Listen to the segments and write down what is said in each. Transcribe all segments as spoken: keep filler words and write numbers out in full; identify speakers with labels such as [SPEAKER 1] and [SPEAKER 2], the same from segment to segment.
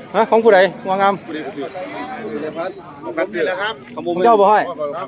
[SPEAKER 1] ฮะของผู้ใดงามงามของเจ้าบ่ห้อย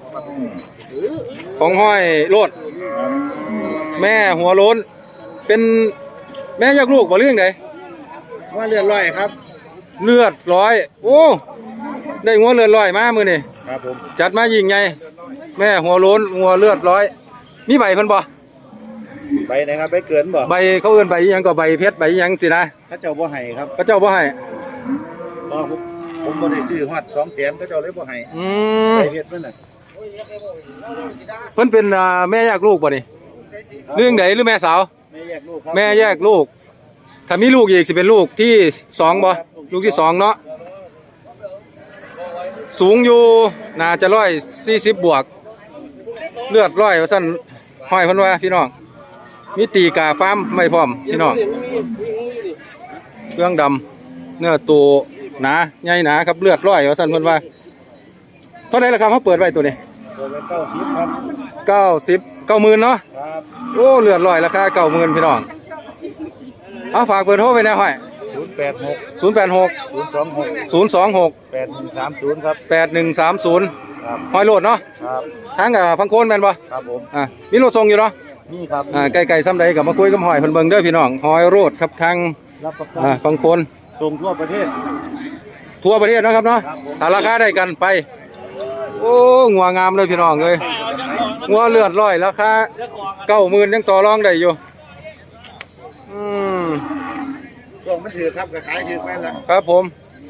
[SPEAKER 1] ของห้อยโลดแม่หัวโล้นเป็นแม่ยักลูกบ่เรื่องใด
[SPEAKER 2] ว่าเลือดร้อยครับ
[SPEAKER 1] เลือดร้อยโอ้ได้หัวเลือดร้อยมามือนี่
[SPEAKER 2] ครับผม
[SPEAKER 1] จัดมายิงไงแม่หัวโล้นหัวเลือดร้อยมีใบเพิ่นบ่
[SPEAKER 2] ใบนะครับใบเกินบ่
[SPEAKER 1] ใบเขาเอิ้นใบอีหยังก็ใบเพชรใบอีหยังสินะ
[SPEAKER 2] เขาเจ้าบ่ให้ครับ
[SPEAKER 1] เขาเจ้าบ่ให้
[SPEAKER 2] บ่ผมผมบ่ได้ซื้อฮอดสองแสนเขาเจ้าเลยบ่ให้
[SPEAKER 1] อืม
[SPEAKER 2] ใบเพชรนั่นน่ะ
[SPEAKER 1] เพิ่นเป็นแม่แยกลูกบ่นี่เรื่องใดหรือแม่สาว
[SPEAKER 2] แม่แยกลูกครับ
[SPEAKER 1] แม่แยกลูกถ้ามีลูกอีกสิเป็นลูกที่สองบ่ลูกที่สองเนาะสูงอยู่น่าจะร้อยสี่สิบบวกเลือดร้อยว่าซั่นห้อยเพิ่นว่าพี่น้องมีตีกาฟาร์มไม่พร้อมพี่น้องเครื่องดำเนื้อตัวหนาใหญ่หนาครับเลือดร้อยว่าซั่นเพิ่นว่าเท่าไหร่ล่ะครับเขาเปิดไว้ตัวนี้
[SPEAKER 2] เปิดไว้เก้าสิบครับ
[SPEAKER 1] เก้าสิบเก้าหมื่นเนาะ
[SPEAKER 2] ครับ
[SPEAKER 1] โอ้เลือดร้อยราคาเก้าหมื่นพี่น้องเอาฝากเบอร์โทรไว้นะห้อย
[SPEAKER 2] ศูนย์แปดหก
[SPEAKER 1] ศูนย์แปดหก
[SPEAKER 2] ศูนย์สองหก
[SPEAKER 1] ศูนย์สองหก
[SPEAKER 2] แปดหนึ่งสามศูนย์ครับ
[SPEAKER 1] แปดหนึ่งสามศูนย์
[SPEAKER 2] ครับ
[SPEAKER 1] ห้อยโลดเนาะ
[SPEAKER 2] ครับ
[SPEAKER 1] ทั้งกับฟังโคนแม่นบ่
[SPEAKER 2] ครับผม
[SPEAKER 1] อ่ามีรถส่งอยู่เนาะ
[SPEAKER 2] นี่ครับ
[SPEAKER 1] อ่าใกล้ๆซ้ำใดกับมาคุยกับห้อยเพิ่นเบิ่งเด้อพี่น้องห้อยโรดครับทาง
[SPEAKER 2] รับประกัน
[SPEAKER 1] อ่าฟังโคน
[SPEAKER 2] ส่งทั่วประเทศ
[SPEAKER 1] ทั่วประเทศนะครับเนาะถ้าราคาได้กันไปโอ้งัวงามเลยพี่น้องเอ้ยงัวเลือดร้อยราคาเก้าหมื่นยังต่อรองได้อยู่อืม
[SPEAKER 2] ส่งมันถือครับก็ขายถือไปแล้ว
[SPEAKER 1] ครับผม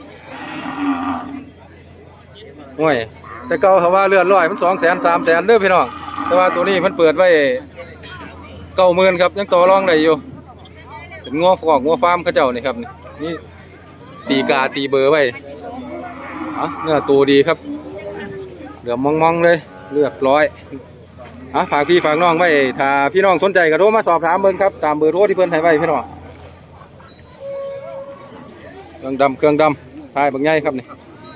[SPEAKER 1] ห่วยแต่เก่าเขาว่าเลือดร้อยมันสองแสนสามแสนเด้อพี่น้องแต่ว่าตัวนี้มันเปิดไว้เก้าหมื่นครับยังต่อรองได้อยู่เป็นงัวขอกงัวฟาร์มเขาเจ้านี่ครับนี่ตีกาตีเบอร์ไว้อ่ะเนื้อตัวดีครับเหลือมมองๆเลยเลือดร้อยอ่ะฝากพี่ฝากน้องไว้ถ้าพี่น้องสนใจก็โทรมาสอบถามเบิ่งครับตามเบอร์โทรที่เพิ่นให้ไว้พี่น้องเครื่องดำเครื่องดำทายบางใหญ่ครับนี่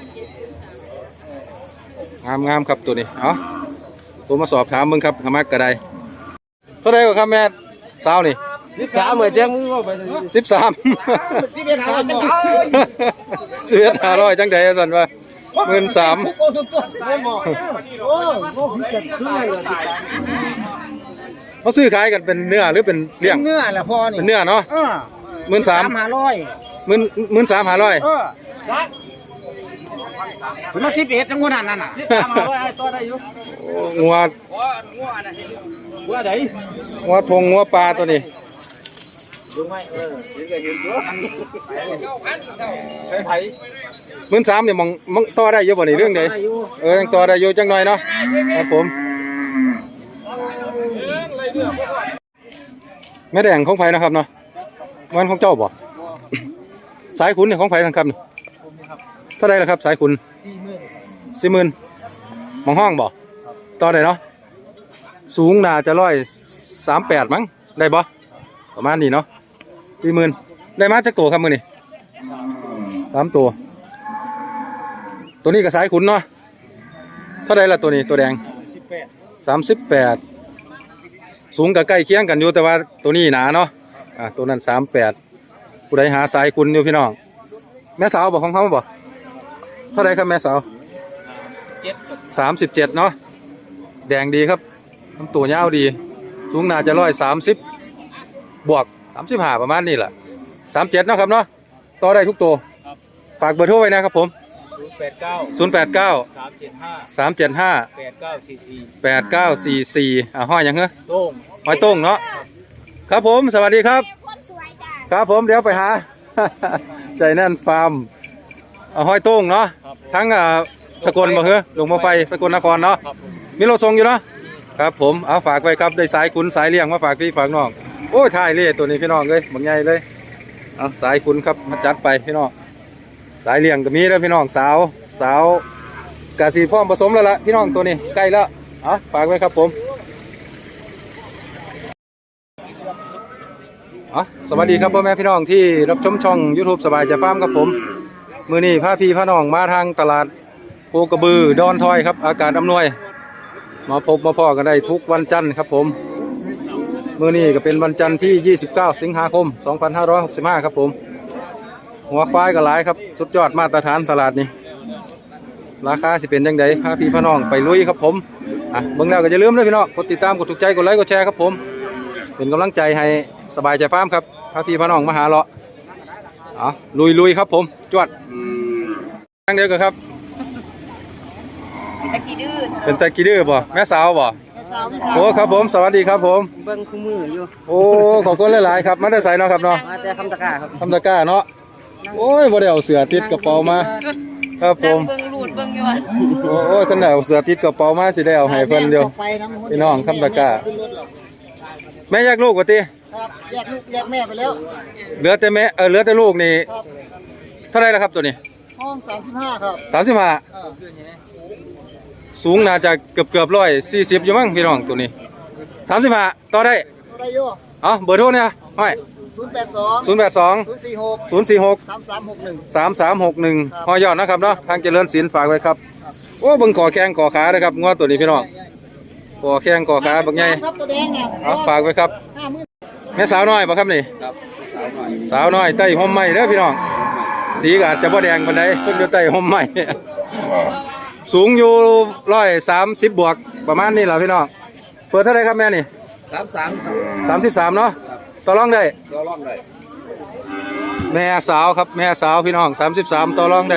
[SPEAKER 1] งามงามครับตัวนี้เอาตัวมาสอบถามมึงครับขมักกระไดเท่าไรกว่าครับแม่สาวนี่
[SPEAKER 2] สิบสามเหมือนแจ้งมือว่าไป
[SPEAKER 1] สิบสาม
[SPEAKER 2] สิบเอ็ดห้าร้อยจังได
[SPEAKER 1] สิบเอ็ดห้าร้อยจังไดสันว่าหมื่นสามเขาซื้อขายกันเป็นเนื้อหรือเป็นเลี้ยง
[SPEAKER 2] เนื้อแหละพ่อนี่
[SPEAKER 1] เป็นเนื้อเนาะหมื่นสาม
[SPEAKER 2] ห้าร้อย
[SPEAKER 1] หมื่นหมื่นสามห้าร้อย
[SPEAKER 2] เออถึงมาสิบเอ็ดจังหวะนั้นน่ะห้าร้อยให้ต่อได้อยู่
[SPEAKER 1] งัว
[SPEAKER 2] งัวไหน
[SPEAKER 1] งัวทงงัวปลาตัวนี้
[SPEAKER 2] ดูไหมเออเห็นก็เห็นตัวใช้ไผ่
[SPEAKER 1] หมื่นสามเนี่ยมองมองต่อได้เยอะกว่านี้เรื่องใดเออยังต่อได้อยู่จังหน่อยเนาะครับผมแม่แดงของไผ่นะครับเนาะมันของเจ้าบ่สายขุนเนี่ยของไผ่ทั้งคำเท่าไรล่ะครับสายขุนสี่หมื่นมองห้องบ่ต่อได้เนาะสูงน่าจะร้อยสามแปดมั้งได้บ่ประมาณนี้เนาะสี่หมื่นได้มาจากตัวครับมือนี่สามตัวตัวนี้กับสายขุนเนาะเท่าไรล่ะตัวนี้ตัวแดงสามสิบแปดสูงกับใกล้เคียงกันอยู่แต่ว่าตัวนี้หนาเนาะอ่ะตัวนั้นสามแปดผู้ใดหาสายขุนอยู่พี่น้องแม่สาวบอกของเขาบอกเท่าไรครับแม่สาวสามสิบเจ็ดเนาะแดงดีครับลำตัวยาวดีสูงน่าจะร้อยสามสิบบวกสามสิบห้าประมาณนี้แหละสามเจ็ดเนาะครับเนาะต่อได้ทุกตัวฝากเบอร์โทรไว้นะครับผม
[SPEAKER 2] ศูนย์แปดเก้า
[SPEAKER 1] ศูนย์แปดเก้า
[SPEAKER 2] สามเจ็ดห้า
[SPEAKER 1] สามเจ็ดห้า
[SPEAKER 2] แปดเก้าสี่สี่
[SPEAKER 1] แปดเก้าสี่สี่อ่ะห้อยยังเหรอ
[SPEAKER 2] โต้ง
[SPEAKER 1] ห้อยโต้งเนาะครับผมสวัสดีครับครับผมเดี๋ยวไปหาใจแน่นฟาร์มห้อยโต้งเนาะทั้งสกลบ่เหรอหลวงพ่อไฟสกลนครเนาะมีรถส่งอยู่เนาะครับผมเอาฝากไว้ครับได้สายคุณสายเลี้ยงมาฝากพี่ฝากน้องโอ้ยถ่ายเลยตัวนี้พี่น้องเลยบางใหญ่เลยเอาสายคุณครับมาจัดไปพี่น้องสายเลี้ยงก็มีแล้วพี่น้องสาวสาวกะสีพร้อมผสมแล้วล่ะพี่น้องตัวนี้ใกล้แล้วเอาฝากไว้ครับผมอ๋อสวัสดีครับพ่อแม่พี่น้องที่รับชมช่อง ยูทูบ สบายใจฟาร์มครับผมมือนี้พาพี่พาน้องมาทางตลาดโคกระบือดอนทอยครับอากาศอำนวยมาพบมาพ่อกันได้ทุกวันจันทร์ครับผมมือนี้ก็เป็นวันจันทร์ที่ยี่สิบเก้าสิงหาคมสองพันห้าร้อยหกสิบห้าครับผมหัวควายก็หลายครับสุดยอดมาตรฐานตลาดนี้ราคาสิเป็นจังไดพาพี่พี่น้องไปลุยครับผมอ่ะเบิ่งแล้วก็อย่าลืมนะพี่น้องกดติดตามกดถูกใจกดไลค์กดแชร์ครับผมเป็นกำลังใจให้สบายใจฟาร์มครับพาพี่พี่น้องมาหาเลาะอ๋อลุยลุยครับผมจวดทางเดียวกันครับ
[SPEAKER 3] เป็นตะกี้ดื้อ
[SPEAKER 1] เป็นตะกี้ดื้อบ่แม่สาวบ่โอ้ครับผมสวัสดีครับผม
[SPEAKER 3] เบิ่งคู่มืออยู่
[SPEAKER 1] โอ้ขอบคุณหลายๆครับมาได้ใส่เนาะครับเนาะ
[SPEAKER 3] มาแต่คำตะกร้าครับ
[SPEAKER 1] ทำตะกร้าเนาะโอ้ยบ่ได้เอาเสือติดกระเป๋ามาครับผม
[SPEAKER 3] เบิ่งรูดเบิ่งยวน
[SPEAKER 1] โอ้ยคันได้เอาเสือติดกระเป๋ามาสิได้เอาให้เพิ่นเดียวพี่น้องทำตะกร้าแม่แยกลูกว่าติ
[SPEAKER 4] ครับแยกลูกแยกแม่ไปแล้ว
[SPEAKER 1] เหลือแต่แม่เออเหลือแต่ลูกนี่
[SPEAKER 4] ครับ
[SPEAKER 1] เท่าไหร่ล่ะครับตัวนี้
[SPEAKER 4] ห้องสามสิบห้าครับ
[SPEAKER 1] สามสิบห้า
[SPEAKER 4] เออ
[SPEAKER 1] สูงน่าจะเกือบๆร้อยสี่สิบอยู่มั้งพี่น้องตัวนี้สามสิบห้าต่อได้
[SPEAKER 4] ตัวได้โย่
[SPEAKER 1] เอ้าเบอร์โทรเนี่ยห้อย
[SPEAKER 4] ศูนย์แปดสอง
[SPEAKER 1] ศูนย์แปดสอง
[SPEAKER 4] ศูนย์สี่หก
[SPEAKER 1] ศูนย์สี่หก
[SPEAKER 4] สามสามหกหนึ่ง
[SPEAKER 1] สามสามหกหนึ่ง
[SPEAKER 4] ครับ
[SPEAKER 1] หอยอดนะครับเนาะทางเจริญศิลป์ฝากไว้ครับโอ้เบิ่งขอแข้งขอขาเลยครับงวตัวนี้พี่น้องขอแข้งขอขาบักใหญ่
[SPEAKER 4] ครับตัวแดงนะ
[SPEAKER 1] เอาฝากไว้ครับ
[SPEAKER 4] ห้าหมื่น
[SPEAKER 1] แม่สาวน้อยบ่ครับนี่สาวน้อยใต้ห่มไม้เด้อพี่น้องสีก็อาจจะบ่แดงปานใดเพิ่นอยู่ใต้ห่มไม้ สูงอยู่ร้อยสามสิบบวกประมาณนี้แหละพี่น้องเปิดเท่าไหรครับแม่นี่
[SPEAKER 2] สามสามครับ
[SPEAKER 1] สามสิบสามเนาะต่อรองได้
[SPEAKER 2] เราล่องเลย
[SPEAKER 1] แม่สาวครับแม่สาวพี่น้องสามสิบสามต่อรองได้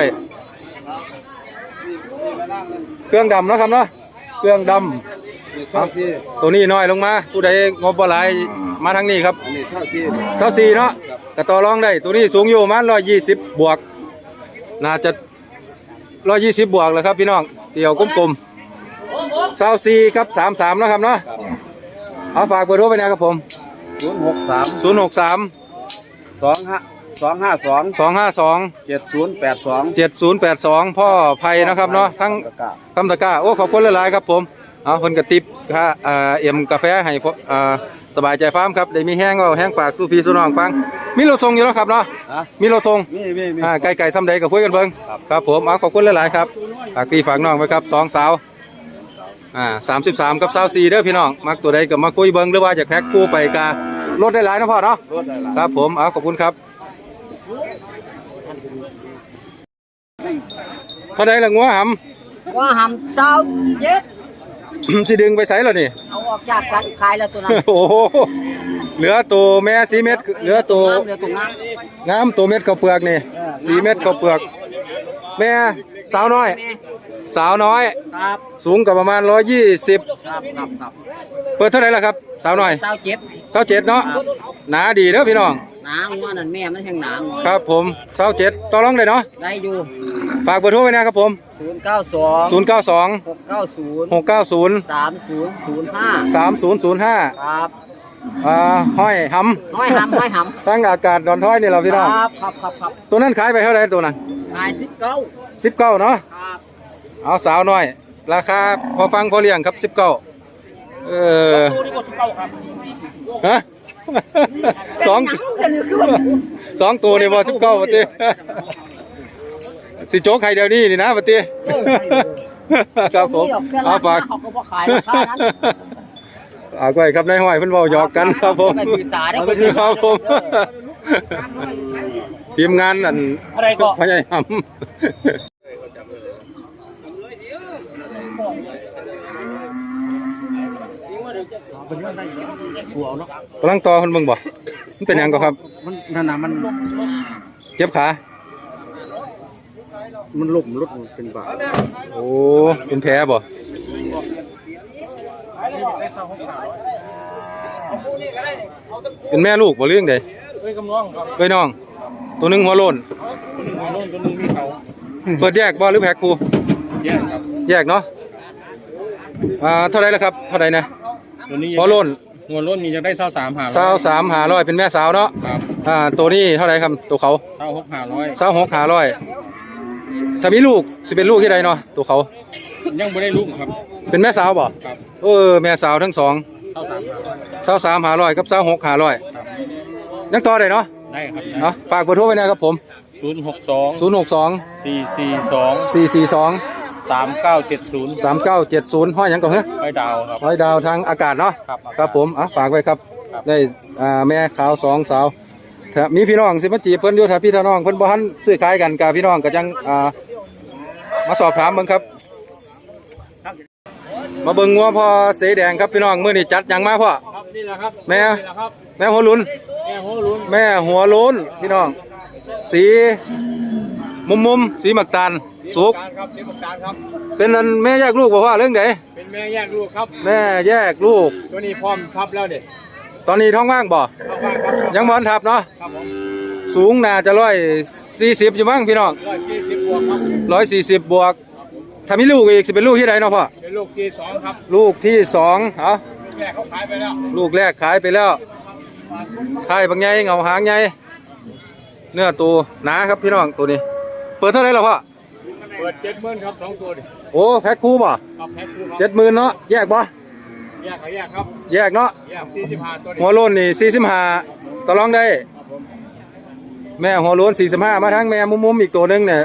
[SPEAKER 1] เครื่องดำเนาะครับเนาะเครื่องด
[SPEAKER 2] เช่าซี
[SPEAKER 1] ำตัวนี้น้อยลงมาผู้ใดงบบ่หลายมาทางนี้ครับ
[SPEAKER 2] อันนี้เช่าซี
[SPEAKER 1] เสาสี่เนาะก็ต่อรองได้ตัวนี้สูงอยู่ประมาณร้อยยี่สิบบวกน่าจะร้อยยี่สิบบวกเลยครับพี่น้องเดี่ยวกลมๆเสาสี่ครับสามสามนะครับเนาะเอาฝากเบอร์โทรไปนะครับผม
[SPEAKER 2] ศูนย์หกสาม
[SPEAKER 1] ศูนย์หกสาม
[SPEAKER 2] สองห้าสองห้าสอง
[SPEAKER 1] สองห้าสอง
[SPEAKER 2] เจ็ดศูนย์แปดสอง
[SPEAKER 1] เจ็ดศูนย์แปดสองพ่อไผ่นะครับเนาะทั้ง
[SPEAKER 2] ตะกร้า
[SPEAKER 1] คำตะกร้าโอ้ขอบคุณหลายๆครับผมเอาคนกระติบค่าอ่าเอ็มกาแฟให้พวกอ่าสบายใจฟาร์มครับได้มีแห้งเอาแห้งปากสู้พี่สู้น้องฟังมีโลทรงอยู่แล้วครับเนาะ
[SPEAKER 2] ฮะ
[SPEAKER 1] มีโลทรง
[SPEAKER 2] มีมีมี
[SPEAKER 1] อ่าไก่ไก่ซ้ำใดกับคุยกันเบิ่ง
[SPEAKER 2] ครับ
[SPEAKER 1] ครับผมเอาขอบคุณหลายๆครับฝากพี่ฝากน้องไว้ครับสองสาวอ่าสามสิบสามกับสาวสี่เด้อพี่น้องมักตัวใดก็มาคุยเบิ่งหรือว่าอยากแพ็คคู่ไปกาลดได้หลายนะพ่อเนาะ
[SPEAKER 2] รถได้ละ
[SPEAKER 1] ครับผมเอาขอบคุณครับเท่าใดละงัวหำ
[SPEAKER 4] ว่าหำเศร้าเย็ด
[SPEAKER 1] สิดึงไปใส่แล้วนี่
[SPEAKER 4] เอาออกจากกันขายแล้วตัวนั้น
[SPEAKER 1] โอ้โหเหลือตัวแม่สีเม็ดเหลือตัว
[SPEAKER 4] น้ำเหลือตัวน้
[SPEAKER 1] งามตัวเม็ดข้าวเปลือกนี่สีเม็ดข้าวเปลือก แม่สาวน้อย
[SPEAKER 4] ำ
[SPEAKER 1] สาวน้อย
[SPEAKER 4] ครับ
[SPEAKER 1] สูงกับประมาณร้อยยี่สิบ
[SPEAKER 4] ครับครับครับ
[SPEAKER 1] เปิดเท่าไหร่ล่ะครับ สาวน้อย
[SPEAKER 4] เศร้าเจ็บ
[SPEAKER 1] สาวเจ็ดเนาะหนาดีเด้อพี่น้อง
[SPEAKER 4] หนางัวนั่นแม่มันแห้งหนางัว
[SPEAKER 1] ครับผมสาวเจ็ดต่อรองได้เนาะ
[SPEAKER 4] ได้อยู่
[SPEAKER 1] ฝากเบอร์โทรไว้นะครับผม
[SPEAKER 4] ศูนย์เก้าสอง
[SPEAKER 1] ศูนย์เก้าสอง
[SPEAKER 4] หกเก้าศูนย์
[SPEAKER 1] หกเก้าศูนย์
[SPEAKER 4] สามศูนย์ศูนย์ห้า
[SPEAKER 1] สามศูนย์ศูนย์ห้า
[SPEAKER 4] ครับ
[SPEAKER 1] อ่าห้อยห
[SPEAKER 4] ห้อยหำห้อยห
[SPEAKER 1] ำตั้งอากาศดอนท้อยนี่เรา
[SPEAKER 4] ำ
[SPEAKER 1] พี่น้อง
[SPEAKER 4] ครับครับครับครับ
[SPEAKER 1] ตัวนั้นขายไปเท่าไหร่ตัวนั้น
[SPEAKER 4] ขายสิบเก้า
[SPEAKER 1] สิบเก้าเนาะ
[SPEAKER 4] ครับ
[SPEAKER 1] เอาสาวน้อย ราคาพอฟังพอเลี้ยงครับสิบเก้าเออ
[SPEAKER 4] ตัวนี้ก็สิบเก้าครับ
[SPEAKER 1] ฮะ สอง
[SPEAKER 4] หยังกันนี่คือว่า
[SPEAKER 1] สองตัวนี่บอสิบเก้าปฏิสิโจ๊กไข่เดียวนี้นี่นะปฏิครับผมเอาฝาก
[SPEAKER 4] เขาก็บ่ขายราคานั้น
[SPEAKER 1] เอาไว้ครับนายห้อยเพิ่นเว้าหยอกกันครับผม
[SPEAKER 4] ไม่ถือสาได้
[SPEAKER 1] ครับผมทีมงานนั่น
[SPEAKER 4] อะไรก็
[SPEAKER 1] พยายามกำลังต่อคนเบิ่งบ่มันเป็นหยังก็ครับ
[SPEAKER 2] มันนั่นน่ะมัน
[SPEAKER 1] เจ็บขา
[SPEAKER 2] มันลุ่มรถเป็นบาท
[SPEAKER 1] โอ้เป็นแผลบ่เป็นแม่ลูกบ่เรื่องใด
[SPEAKER 2] เอ้ยกำลังครับ
[SPEAKER 1] เอ้ยน้อง ตัวหนึงหัวโลน
[SPEAKER 2] ตัวนึงหัวโล้นตัวนึงมีเขา
[SPEAKER 1] เปิดแยกบ่หรือแพ็คคู่
[SPEAKER 2] แยกครับ
[SPEAKER 1] แยกเนาะอ่าเท่าไหร่ละครับเท่าไหร่นะ
[SPEAKER 2] ตัวนี้
[SPEAKER 1] หัวโลน
[SPEAKER 2] หัวโล้นนี่จะได้เช่าสามหา
[SPEAKER 1] สาวสามหาร้อยเป็นแม่สาวเนาะ
[SPEAKER 2] ครับ
[SPEAKER 1] อ่าตัวนี้เท่าไหร่ครับตัวเขา
[SPEAKER 2] เช่าหกหาร้อย
[SPEAKER 1] สาวหกหาร้อยถ้ามีลูกจะเป็นลูกที่ใดเนาะตัวเขา
[SPEAKER 2] ยังไม่ได้ลูกครับ
[SPEAKER 1] เป็นแม่สาวบ่
[SPEAKER 2] ครับ
[SPEAKER 1] เออแม่สาวทั้งสอง
[SPEAKER 2] เช่าสามหาร้อย
[SPEAKER 1] สาวสามหาร้อยกับสาวหกหาร้อย
[SPEAKER 2] ครับ
[SPEAKER 1] ยังต่อได้เนาะ
[SPEAKER 2] ได้ครับ
[SPEAKER 1] เนาะฝากเบอร์โทรไว้นะครับผม
[SPEAKER 2] ศูนย์หกสอง
[SPEAKER 1] ศูนย์หกสอง
[SPEAKER 2] สี่สี่สอง
[SPEAKER 1] สี่สี่สอง
[SPEAKER 2] สามเก้าเจ็ดศูนย์
[SPEAKER 1] สามเก้าเจ็ดศูนย์ห้อยหยังก่อนเหรอ
[SPEAKER 2] ไปดาวครับ
[SPEAKER 1] ห้อยดาวทางอากาศเนาะ
[SPEAKER 2] ครับ
[SPEAKER 1] ครับผมอ่ะฝากไว้ครับ
[SPEAKER 2] ครับ
[SPEAKER 1] ได้อ่าแม่ขาวสองสาวถ้ามีพี่น้องสิมาจีบเพิ่นอยู่ถ้าพี่น้องเพิ่นบ่ทันซื้อขายกันกับพี่น้องก็จังอ่ามาสอบถามเบิ่งครับมาเบิ่งงัวพ่อเสแดงครับพี่น้องมื้อนี้จัดหยังมาพ่อ
[SPEAKER 2] ครับนี่แหละครับ
[SPEAKER 1] แม่
[SPEAKER 2] นี่แหละครับ
[SPEAKER 1] แม่หัวหลุน
[SPEAKER 2] แม่หัวลุน
[SPEAKER 1] แม่หัวโล้นพี่น้องสีมุมมุมๆสีหมักตาลสุก
[SPEAKER 2] การครับเทปการครับ
[SPEAKER 1] เป็นอันแม่แยกลูกบ่พ่อเรื่องใด
[SPEAKER 2] เป็นแม่แยกลูกครับ
[SPEAKER 1] แม่แยกลูก
[SPEAKER 2] ตัวนี้พร้อมทับแล้วเด็ด
[SPEAKER 1] ตอนนี้ท้องว่างบ่
[SPEAKER 2] เข้าบ้านครับ
[SPEAKER 1] ยังบ่ทันทับเนาะ
[SPEAKER 2] ครับผม
[SPEAKER 1] สูงน่าจะร้อยสี่สิบอยู่มั้งพี่น้อง
[SPEAKER 2] ร้อยสี่สิบบวกครับ
[SPEAKER 1] ร้อยสี่สิบบวกถ้ามีลูกอีกสิเป็นลูกที่ใดเนาะพ่อ
[SPEAKER 2] เป็นลูกที่สองครับ
[SPEAKER 1] ลูกที่สองเอา
[SPEAKER 2] แม่เขาขายไปแล้ว
[SPEAKER 1] ลูกแรกขายไปแล้วขายบางใหญ่เงาหางใหญ่เนื้อตัวหนาครับพี่น้องตัวนี้ เปิดเท่าไหร่แล้วพ่อ
[SPEAKER 2] เปิดเจ็ดหมื่นครับสองตัวดิ
[SPEAKER 1] โอ้แพ็คคู่บ่
[SPEAKER 2] ครับแพ็คคู่ครับ
[SPEAKER 1] เจ็ดหมื่นเนาะแยกบ่
[SPEAKER 2] แยกเขาแยกครับ
[SPEAKER 1] แยกเนาะ
[SPEAKER 2] แยกสี่สิบห้าตัวดิ
[SPEAKER 1] หัวโล้นนี่สี่สิบห้าต่อรองได้
[SPEAKER 2] ครับผม
[SPEAKER 1] แม่หัวโล้นสี่สิบห้ามาทั้งแม่มุมมุมๆอีกตัวหนึงเนี่ย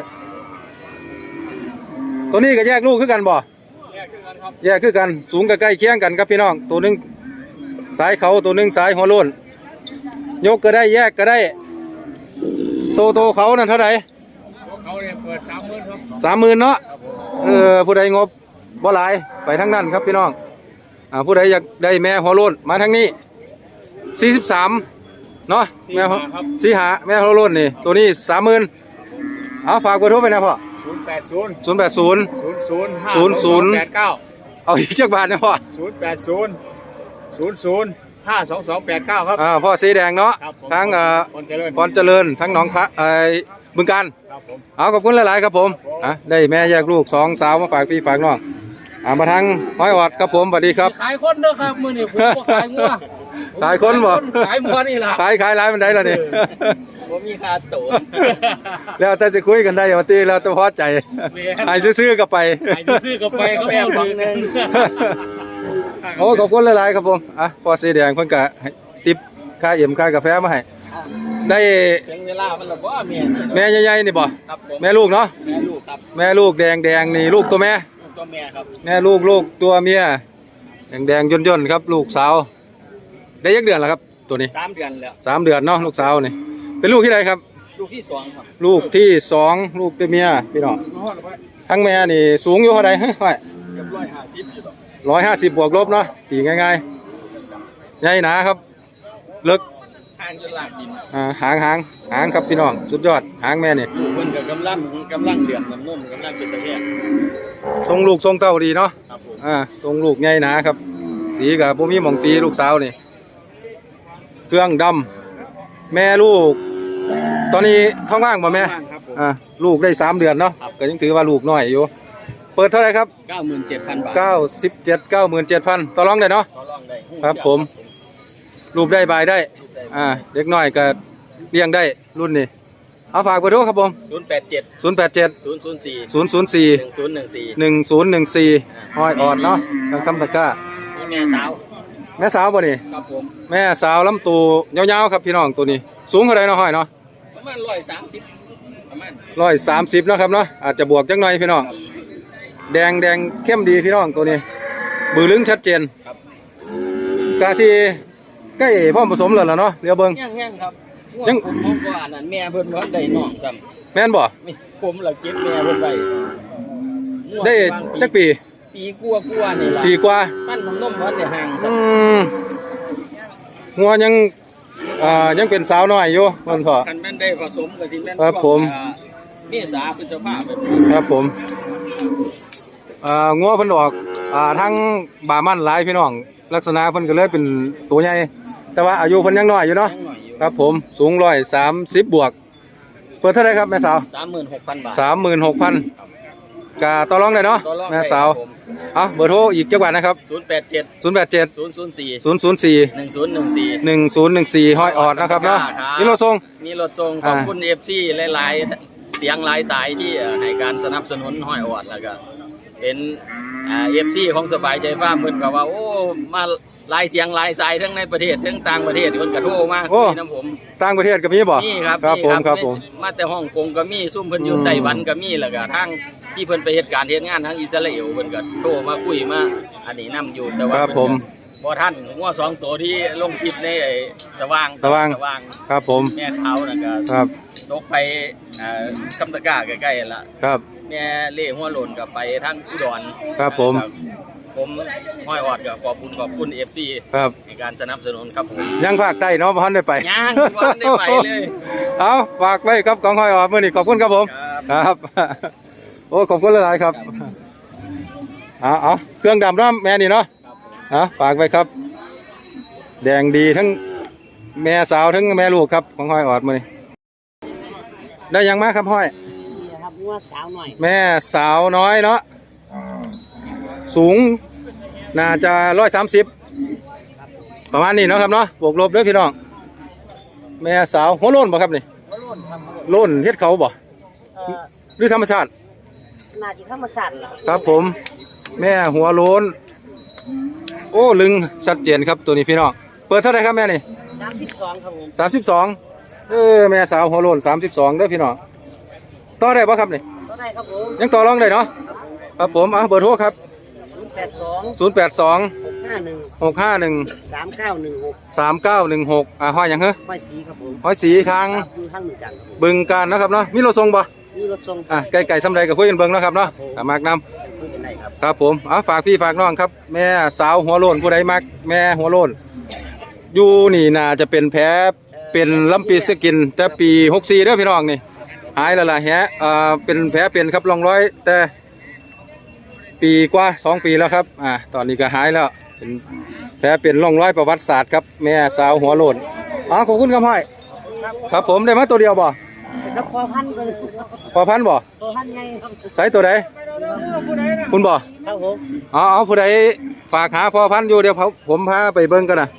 [SPEAKER 1] ตัวนี้ก็แยกลูกคือกันบ่
[SPEAKER 2] แยกขึ้นกันครับ
[SPEAKER 1] แยกคือกันสูงกับใกล้เคียงกันครับพี่น้องตัวหนึงสายเขาตัวหนึงสายหัวโล้นยกก็ได้แยกก็ได้โตโตเขานั่นเท่าไหร่
[SPEAKER 2] พวกเขาเนี่ยเปิดสามหมื่นครับ
[SPEAKER 1] สามหมื่นเนาะ
[SPEAKER 2] ครับผม
[SPEAKER 1] เออผู้ใดงบบ่หลายไปทั้งนั้นครับพี่น้องอ่าผู้ใดอยากได้แม่หัวโล้นมาทางนี้สี่สิบสามเนาะแม่หัวสี่หาแม่หัวโล้นนี่ตัวนี้สามหมื่นเอาฝากเบอร์โทรไปนะพ่อ
[SPEAKER 2] ศูนย์แปดศูนย์
[SPEAKER 1] ศูนย์แปดศูนย์
[SPEAKER 2] ศูนย์ศูนย์ห้า
[SPEAKER 1] ศูนย์ศูนย์
[SPEAKER 2] แปดเก้า
[SPEAKER 1] เอาอีกจักบาทนะพ่อ
[SPEAKER 2] ศูนย์แปดศูนย์ศูนย์ศูนย์ห้าสองสองแปดเก้าครับ
[SPEAKER 1] อ่าพ่อสีแดงเนาะ
[SPEAKER 2] ครับผม
[SPEAKER 1] ทั้งอ่า
[SPEAKER 2] คนเจริญ
[SPEAKER 1] พรเจริญทั้งหนองคะไอ้บึงการ
[SPEAKER 2] ครับผม
[SPEAKER 1] เอาขอบคุณหลายๆครับผมอ่ะได้แม่แยกลูกสองสาวมาฝากพี่ฝากน้องอ่ามาทางห้อยออดครับผมสวัสดีครับ
[SPEAKER 4] ขายคนเด้อครับมื้อนี้ผมบ่ขายงัว
[SPEAKER 1] ขายคนบ่
[SPEAKER 4] ขายงัวนี่ล่ะ
[SPEAKER 1] ขายขายร้ายมันได้แล้วนี่
[SPEAKER 4] บ่มีค่าตั๋ว
[SPEAKER 1] แล้วแต่จะคุยกันได้ว่าตีแล้วแต่พอใจให้ซื้อๆก็ไป
[SPEAKER 4] ขายซื้อก็ไปก็แอบบังนึง
[SPEAKER 1] โอ้ขอบคุณหลายๆครับผมอ่ะพ่อสีแดงเพิ่นก็ให้ติปค่าเอี่ยมค่ากาแฟมาให้ได้
[SPEAKER 4] ถึงเวลามันแล้วบ่แม่นี่
[SPEAKER 1] แม่ใหญ่ๆนี่บ่
[SPEAKER 4] ครับผม
[SPEAKER 1] แม่ลูกเนาะ
[SPEAKER 4] แม่ลูกครับ
[SPEAKER 1] แม่ลูกแดงแดงๆนี่ลูกตัวแม่
[SPEAKER 4] ลูกตัวแม่ครับ
[SPEAKER 1] แม่ลูกลูกตัวเมียแดงแดงย่นย่นๆครับ ลูกสาว ได้ยักเดือนแล้วครับ ตัวนี้
[SPEAKER 4] สามเดือนแล้ว
[SPEAKER 1] สามเดือนเนาะลูกสาวนี่เป็นลูกที่ใดครับ
[SPEAKER 4] ลูกที่สองครับ
[SPEAKER 1] ลูกที่สองลูกตัวเมียพี่น้องทั้งแม่นี่สูงอยู่เท่าใดฮะไว้
[SPEAKER 4] เรียบร้อยห้าสิบอยู่ดอก
[SPEAKER 1] ร้อยห้าสิบบวกลบเนาะตีง่ายๆใหญ่หนาครับเลิก
[SPEAKER 4] ทางจนลากดิน
[SPEAKER 1] อ่าหางหางหางครับพี่น้องสุดยอดหางแม่นี่
[SPEAKER 4] ลูกเพิ่นก็กำลังกำลังเดือดน้ำนมกำลังเป็นตะแคง
[SPEAKER 1] ทรงลูกทรงเต้าดีเนาะ
[SPEAKER 4] ครับผม
[SPEAKER 1] อ่าทรงลูกใหญ่หนาครับ สีกับบ่มีหม่องตีลูกสาวนี่เครื่องดำแม่ลูก ตอนนี้ท้องว่างบ่แม่
[SPEAKER 4] บ้างครับผม
[SPEAKER 1] อ่าลูกได้สามเดือนเนาะก็ยังถือว่าลูกน้อยอยู่ เปิดเท่าไหรครับ
[SPEAKER 4] เก้าหมื่นเจ็ดพันบาท
[SPEAKER 1] เก้าสิบเจ็ด เก้าหมื่นเจ็ดพันต่อรองได้เนาะ
[SPEAKER 4] ต่อรองได้
[SPEAKER 1] ครับผม รูปได้บายได้อ่าเด็กน้อยก็เลี้ยงได้รุ่นนี้เอาฝากเบอร์โทรครับผม
[SPEAKER 4] ศูนย์แปดเจ็ด
[SPEAKER 1] ศูนย์แปดเจ็ด
[SPEAKER 4] ศูนย์ศูนย์สี่
[SPEAKER 1] ศูนย์ศูนย์สี่
[SPEAKER 4] หนึ่งศูนย์หนึ่งสี่
[SPEAKER 1] หนึ่งศูนย์หนึ่งสี่ห้อยออดเนาะทางคำตะกร้า
[SPEAKER 4] นี่แม่สาว
[SPEAKER 1] แม่สาวบ่นี่
[SPEAKER 4] ครับผม
[SPEAKER 1] แม่สาวลำตัวยาวๆครับพี่น้องตัวนี้ สูงเท่าไรเนาะห้อยเนาะ
[SPEAKER 4] ประมาณร้อยสามสิบประมาณ
[SPEAKER 1] ร้อยสามสิบเนาะครับเนาะอาจจะบวกจังหน่อยพี่น้องแดงแดงเข้มดีพี่น้องตัวนี้ บือลึงชัดเจน
[SPEAKER 4] ครับ
[SPEAKER 1] กาซีใกล้พร้อมผสมแล้วล่ะเนาะเดี๋ยวเบิ่ง
[SPEAKER 4] ยังยังครับ
[SPEAKER 1] ยัง
[SPEAKER 4] ผมผมก็อ่านนั้นแม่เพิ่นว่าได้น้องซ้
[SPEAKER 1] แม่นบ่
[SPEAKER 4] ำนี่ผมละเก็บแม่เพิ่นไว้ม่วง
[SPEAKER 1] ได้
[SPEAKER 4] บาง
[SPEAKER 1] จักปี
[SPEAKER 4] ปีกลัวกลัวๆนี่ล่ะ
[SPEAKER 1] ปีกว่า
[SPEAKER 4] ปั้นน้ำนมวันได้ห่าง
[SPEAKER 1] อืมหัวยังอ่ายังเป็นสาวน้อยอยู่เพิ่นพอ
[SPEAKER 4] คันแม่นได้ผสมกับสิแม่น
[SPEAKER 1] ครับผม
[SPEAKER 4] อ่าเมษาพฤษภาแบบ
[SPEAKER 1] ครับผมอ่างัวเพิ่นออกอ่าทั้งบามันหลายพี่น้อง ลักษณะเพิ่นก็เลยเป็นตัวใหญ่แต่ว่าอายุเพิ่นยังน้อยอยู่เนาะ
[SPEAKER 4] ยังหน่อยอยู่
[SPEAKER 1] ครับผมสูงร้อยสามสิบบวก เปิดเท่าไหรครับแม่สาว
[SPEAKER 4] สามหมื่นหกพันบาท
[SPEAKER 1] สามหมื่นหกพันกาต่อรองได้เนาะ
[SPEAKER 4] ต่อรอง
[SPEAKER 1] แม่สาวเอาเบอร์โทรอีกจักบาทนะครับ
[SPEAKER 4] ศูนย์แปดเจ็ด
[SPEAKER 1] ศูนย์แปดเจ็ด
[SPEAKER 4] ศูนย์ศูนย์สี่
[SPEAKER 1] ศูนย์ศูนย์สี่
[SPEAKER 4] หนึ่งศูนย์หนึ่งสี่
[SPEAKER 1] หนึ่งศูนย์หนึ่งสี่ห้อยออดนะครับเนาะ
[SPEAKER 4] ครับ
[SPEAKER 1] นี่เราส่ง
[SPEAKER 4] มีรถส่งขอบคุณเอฟซีหลายๆเสียงหลายสายที่เอ่อให้การสนับสนุนห้อยออดแล้วก็เป็นเอฟซีของสบายใจฟาร์มเพิ่นก็ว่าโอ้มาหลายเสียงหลายสายทั้งในประเทศทั้งต่างประเทศเพิ่นก็โทรมาคุยน้ำผม
[SPEAKER 1] ต่างประเทศก็มีบ่
[SPEAKER 4] นี่ครับ
[SPEAKER 1] ครับ
[SPEAKER 4] นี่
[SPEAKER 1] ผมครับผม
[SPEAKER 4] มาแต่ฮ่องกงก็มีซุ่มเพิ่นอยู่
[SPEAKER 1] อืม
[SPEAKER 4] ไต้หวันก็มีแล้วก็ทางที่เพิ่นไปเฮ็ดการเฮ็ดงานทางอิสราเอลเพิ่นก็โทรมาคุยมาอันนี้นํอยู่แต่ว่า
[SPEAKER 1] ครับผม
[SPEAKER 4] เบ่ทันงัวสองตัวที่ลงคลิปในไอ้สว่าง
[SPEAKER 1] สว่าง
[SPEAKER 4] สว่าง
[SPEAKER 1] ครับผม
[SPEAKER 4] แม่ขาวนั่นก็
[SPEAKER 1] ครับ
[SPEAKER 4] ตกไปอ่าคำตะกร้าใกล้ๆละ
[SPEAKER 1] ครับ
[SPEAKER 4] แม่เล่หัวโลนก็ไปทางอุดร
[SPEAKER 1] ครับผม
[SPEAKER 4] ผมห้อยออดก็ขอบคุณขอบคุณ เอฟ ซี
[SPEAKER 1] ครับ
[SPEAKER 4] ในการสนับสนุนครับผม
[SPEAKER 1] ยังภาคใต้เนาะบ่ทันได้ไป
[SPEAKER 4] ยังบ่ทันได้ไปเลย
[SPEAKER 1] เอาฝากไว้ครับของห้อยออกมื้อนี้ขอบคุณครับผม
[SPEAKER 4] ครับ
[SPEAKER 1] ครับ โอ้ขอบคุณหลายๆครับเอาเอาเครื่องดำเนาะแม่นี่เนาะเอาฝากไว้ครับ แดงดีทั้งแม่สาวทั้งแม่ลูกครับของห้อยออดมื้อนี้ได้ยังมาครับห้อย
[SPEAKER 3] ครับงัวสาวหน่อย
[SPEAKER 1] แม่สาวน้อยเนาะสูงน่าจะร้อยสามสิบประมาณนี้เนาะครับเนาะบวกลบเด้อพี่น้องแม่สาวหัวโล้นบ่ครับนี่
[SPEAKER 3] หัวโล้นครับ
[SPEAKER 1] โล้นเฮ็ดเขาบ่
[SPEAKER 3] เอ่อ
[SPEAKER 1] หรือธรรมชาติ
[SPEAKER 3] น่าจะธรรมชาติล่ะ
[SPEAKER 1] ครับผม แม่หัวโล้นโอ้ลึงชัดเจนครับตัวนี้พี่น้องเปิดเท่าไหร่ครับแม่นี่
[SPEAKER 3] สามสิบสองครับผม
[SPEAKER 1] สามสิบสองเออแม่สาวหัวโล้นสามสิบสองเด้อพี่น้องต่อได้บ่ครับนี่
[SPEAKER 3] ก็ได้ครับผม
[SPEAKER 1] ยังต่อรองได้เนาะครับผมเอาเบอร์โทรครับ
[SPEAKER 3] ศูนย์แปดสอง
[SPEAKER 1] ศูนย์แปดสอง
[SPEAKER 3] หกห้าหนึ่ง
[SPEAKER 1] หกห้าหนึ่ง
[SPEAKER 3] สามเก้าหนึ่งหก
[SPEAKER 1] สามเก้าหนึ่งหกอ่าห้อยหยังเหรอ
[SPEAKER 3] ห้อยสีครับผม
[SPEAKER 1] ห้อยสีทาง
[SPEAKER 3] ครับอยู่ทางหนึ่งจันทร์ครับผม
[SPEAKER 1] บึงการนะครับเนาะมีรถส่งบ่
[SPEAKER 3] นี่รถทรง
[SPEAKER 1] อ่ะไก่ไก่ทำไรกับคุยกันเบิ่งเนาะครับเนาะอ่ะมากนำ
[SPEAKER 3] คุยกันได้ครับ
[SPEAKER 1] ครับผมเอาฝากพี่ฝากน้องครับ แม่สาวหัวโล้นผู้ใดมักแม่หัวโล้นอยู่นี่น่าจะเป็นแผลเป็นลำปีสกิน แต่ปีหกสี่เด้อพี่น้องนี่หายแล้วล่ะแฮะอ่าเป็นแผลเป็นครับร่องรอย แต่ปีกว่าสองปีแล้วครับอ่าตอนนี้ก็หายแล้วเป็นแผลเป็นร่องรอยประวัติศาสตร์ครับแม่สาวหัวโล้นอ๋อขอบคุณครับห้อยครับผมได้มาตัวเดียวบ่
[SPEAKER 3] แล้วพอพันกัน
[SPEAKER 1] พอพันบ่
[SPEAKER 3] พอพันไงครับ
[SPEAKER 1] ใส่ตัวใดคุณบ่
[SPEAKER 3] ครับผม
[SPEAKER 1] อ๋อเอาผู้ใดฝากหาพอพันธุ์อยู่เดี๋ยวผมผมพาไปเบิ่งกันนะ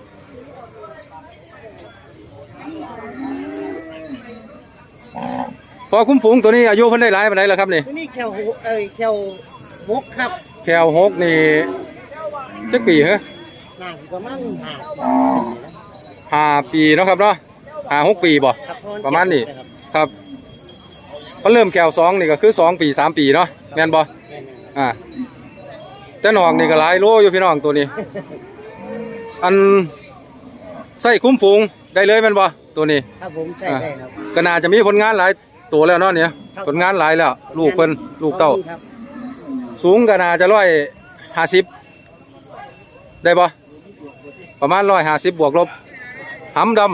[SPEAKER 1] พอคุ้มฝูงตัวนี้อายุเพิ่นได้หลายปานใดแล้วครับนี่
[SPEAKER 3] นี่แควหูเอ้ยแควมกครับ
[SPEAKER 1] แควหกนี่จักปีเหรอ
[SPEAKER 3] น่าจะประมาณห้า
[SPEAKER 1] ห้าปีเนาะครับเนาะห้าหกปีบ่
[SPEAKER 3] ครับพ
[SPEAKER 1] ประมาณนี้
[SPEAKER 3] ครับ
[SPEAKER 1] ครับเขาเริ่มแควสองนี่ก็คือสองปีสามปีเนาะแม่นบ่
[SPEAKER 3] แม่น
[SPEAKER 1] อ่าแต่นอกนี่ก็หลายโลอยู่พี่น้องตัวนี้ อันใส่คุ้มฝูงได้เลยแม่นบ่ตัวนี้
[SPEAKER 3] ๆครับผมใช่ได้ครับ
[SPEAKER 1] ก็น่าจะมีผลงานหลายตัวแล้วเนาะเนี่ย
[SPEAKER 3] ครับ
[SPEAKER 1] ผลงานหลายแล้วลูกเพิ่นลูกเต้า
[SPEAKER 3] ครับ
[SPEAKER 1] สูงก็น่าจะร้อยห้าสิบได้ปะประมาณร้อยห้าสิบบวกลบหำดำ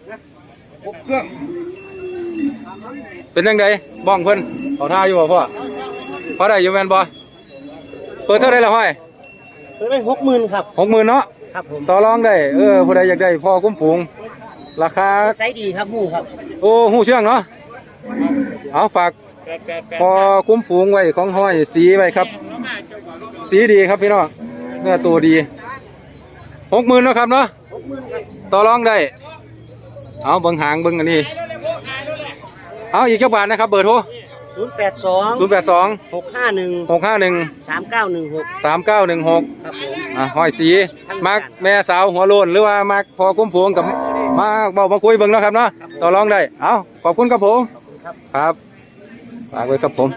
[SPEAKER 1] เป็นยังไงบ้องเพิ่นเขาท่าอยู่บ่พ่อพอได้อยู่แม่นบ่เปิดเท่าไรละห้อย
[SPEAKER 3] เปิดไปหกหมื่นครับ
[SPEAKER 1] หกหมื่นเนาะ
[SPEAKER 3] ครับผม
[SPEAKER 1] ต่อรองได้เออผู้ใดอยากได้พ่อคุ้มฝูงราคา
[SPEAKER 3] ไซส์ดีครับหมูครับ
[SPEAKER 1] โอ้หูเชื่องเนาะเอาฝาก พอคุ้มฝูงไว้ของห้อยสีไว้ครับ สีดีครับพี่น้องเนื้อตัวดีหกหมื่นเนาะครับเนาะ
[SPEAKER 3] หกหมื่นครับ
[SPEAKER 1] ต่อรองได้ เอาเบิ้งหางเบิ้งอันนี้เอาอีกเจ้าบาทนะครับเบอร์โทร
[SPEAKER 3] ศูนย์แปดสอง
[SPEAKER 1] ศูนย์แปดสอง
[SPEAKER 3] หกห้าหนึ่ง
[SPEAKER 1] หกห้าหนึ่ง
[SPEAKER 3] สามเก้าหนึ่งหก
[SPEAKER 1] สามเก้าหนึ่งหก
[SPEAKER 3] ครับผม
[SPEAKER 1] อ่ะห้อยสีมักแม่สาวหัวโลนหรือว่ามักพอคุ้มฝูงกับมาเบามาคุยเบิ้งเนาะครับเนาะต่อรองได้เอาขอบคุณครับผมครับฝากไว้ครับผม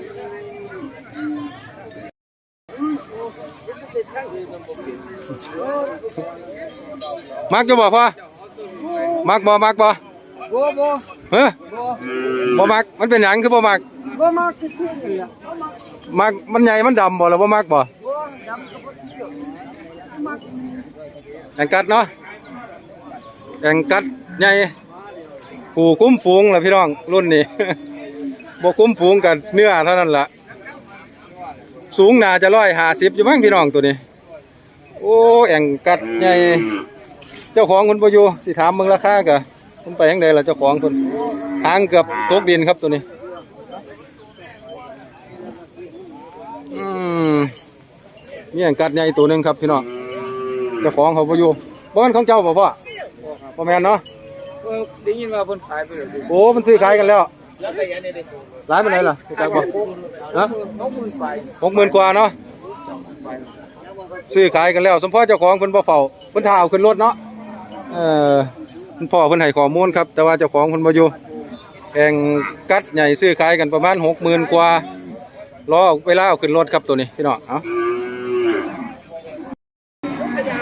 [SPEAKER 1] มักจะบอกพ่อมักบ่มักบ่
[SPEAKER 3] บ่บ่
[SPEAKER 1] เฮ้ยบ่มักมันเป็นหยังคือบ่มัก
[SPEAKER 3] บ่มาคือชื่อนี่ล่ะ
[SPEAKER 1] มักมันใหญ่มันดำบ่หรือบ่มักบ่
[SPEAKER 3] บ่ดำกับบ่เชื่อมัก
[SPEAKER 1] แองกัดเนาะแองกัดใหญ่ผู้คุ้มฝูงล่ะพี่น้องรุ่นนี้ บ่คุ้มฝูงกันเนื้อเท่านั้นล่ะสูงน่าจะร้อยห้าสิบอยู่มั้งพี่น้องตัวนี้โอ้แองกัดใหญ่เจ้าของคนบ่อยู่สิถามมึงราคากะคุณไปยังไดล่ะเจ้าของคนหางเกือบตกดินครับตัวนี้อืมมีแองกัดใหญ่ตัวหนึงครับพี่น้องเจ้าของเขาบ่อยู่บ้านของเจ้าบ่พ่อบ่แม่นเนาะ
[SPEAKER 3] ได้ยินว่าเพิ่นขายไปแล้ว
[SPEAKER 1] โอ้มันซื้อขายกันแล้ว
[SPEAKER 3] แล้วก็ยังได้ได้
[SPEAKER 1] ร้านเป็นไรล่ะจักบ่ฮะ
[SPEAKER 3] หกหมื่นไป
[SPEAKER 1] หกหมื่นกว่าเนาะซื้อขายกันแล้วสมพ่อเจ้าของเพิ่นบ่เฝ้าเพิ่นท่าเอาขึ้นรถเนาะเอ่อเพิ่นพ่อเพิ่นให้ข้อมูลครับแต่ว่าเจ้าของเพิ่นบ่อยู่แองกัดใหญ่ซื้อขายกันประมาณหกหมื่นกว่ารอเวลาเอาขึ้นรถครับตัวนี้พี่น้องเอ้า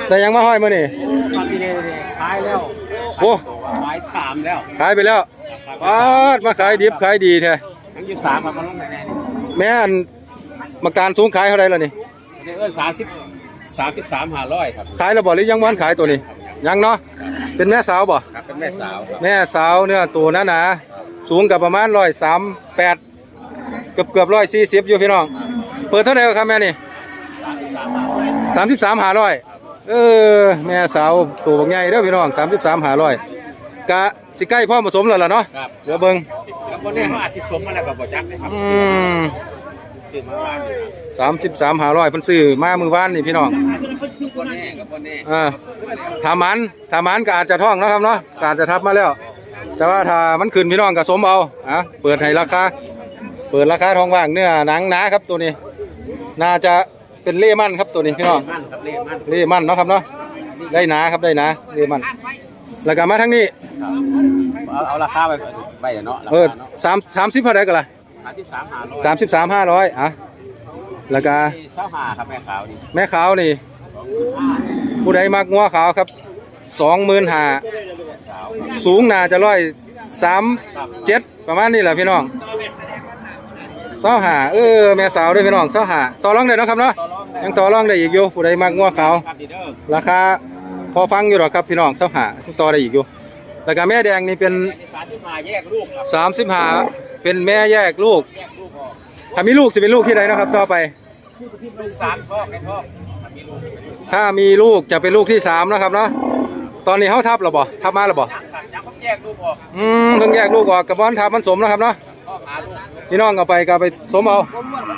[SPEAKER 1] แต่ยังมาห้อยมื้อนี่
[SPEAKER 3] มาปีนี้ขายแล้ว
[SPEAKER 1] โอ้
[SPEAKER 3] ขายสามแล้ว
[SPEAKER 1] ขายไปแล้วปาดมาขายดิบขายดีแท้
[SPEAKER 3] ทั้งยี่สามมันลงแน่ๆนี่
[SPEAKER 1] แม่อันมักตาลสูงขายเท่าไหร่ล่ะนี่
[SPEAKER 3] นี่เออสามสิบสามสิบสามห้าร้อยครับ
[SPEAKER 1] ขายแล้วบ่หรือยังบ่ทันขายตัวนี้ยังเนาะเป็นแม่สาวบ่
[SPEAKER 3] ครับเป็นแม่สาวครับ
[SPEAKER 1] แม่สาวเนื้อตัวหนาๆสูงกับประมาณหนึ่งร้อยสามสิบแปดเกือบเกือบหนึ่งร้อยสี่สิบอยู่พี่น้องเปิดเท่าไหร่ครับแม่นี่
[SPEAKER 3] สามสิบสามห้าร้อย
[SPEAKER 1] สามสิบสามห้าร้อยเออแม่สาวตัวบักใหญ่เด้อพี่น้องสามสิบสามห้าร้อยกะสิใกล้พ่อผสมแล้วล่ะเนาะ
[SPEAKER 3] ครับ
[SPEAKER 1] เดี๋ยวเบิ่ง
[SPEAKER 3] แล้วคนนี้เขาอาจจะสมมาแล้วกับบ่จักนะครับ
[SPEAKER 1] อืม
[SPEAKER 3] ซื้อมาบ้านนี่
[SPEAKER 1] สามสิบสามห้าร้อยเพิ่นซื้อมามื้อวานนี่พี่น้อง
[SPEAKER 3] คนนี้กับคนนี้
[SPEAKER 1] อ่าถ้ามันถ้ามันก็อาจจะท้องเนาะครับเนาะก็อาจจะทับมาแล้ว แต่ว่าถ้ามันขึ้นพี่น้องก็สมเอาอ่ะเปิดให้ราคาเปิดราคาทองว่างเนื้อหนังหนาครับตัวนี้ น่าจะเป็นเล่มั่นครับตัวนี้พี่น้อง
[SPEAKER 3] มั่นครับเล่มั่น
[SPEAKER 1] เล่มั่นเนาะครับเนาะได้หนาครับได้หนาเล่มั่นแล้วก็มาทางนี้
[SPEAKER 3] เอาเอาราคาไปไปเนาะรา
[SPEAKER 1] เออ
[SPEAKER 3] คาเนาะ
[SPEAKER 1] สามสามสิบเท่าไหร่กันล่ะ
[SPEAKER 3] สามสิบสามห้าร้อย
[SPEAKER 1] สามสิบสามห้าร้อยอ่ะแล้วก็
[SPEAKER 3] เช้าหาครับแม่ขาวนี่
[SPEAKER 1] แม่ขาวนี่ผู้ใดมักงัวขาวครับสองหมื่นห้าสูงน่าจะร้อยสามเจ็ดประมาณนี้แหละพี่น้องเศร้าหาเออแม่สาวด้วยพี่น้องเศร้าหาต่อรองได้เนาะครับเนาะยังต่อรองได้อีกอยู่ผู้ใดมักงัวขาว
[SPEAKER 3] ครับดีเด้อ
[SPEAKER 1] ราคาพอฟังอยู่หรอกครับพี่น้องเศร้าหาต่อได้อีกอยู่แล้วก็แม่แดงนี่เป็น
[SPEAKER 3] สามสิบห้าแยกลูกครับ
[SPEAKER 1] สามสิบห้าเป็นแม่แยกลูก
[SPEAKER 3] แยกลูกออก
[SPEAKER 1] ถ้ามีลูกจะเป็นลูกที่ใดเนาะครับต่อไป
[SPEAKER 3] ลูกสามฟอกในท้องมีลูก
[SPEAKER 1] ถ้ามีลูกจะเป็นลูกที่สามนะครับเนาะตอนนี้เขาทับหรอบ่ทับมาหรอบ่
[SPEAKER 3] ยังสั่งยังต้องแยกลูกออก
[SPEAKER 1] อืมเพิ่งแยกลูกออกกับบอนทับมันสมนะครับเนาะ
[SPEAKER 3] พ่อหาลูก
[SPEAKER 1] พี่น้องเอาไปก็เอาไปสมเอา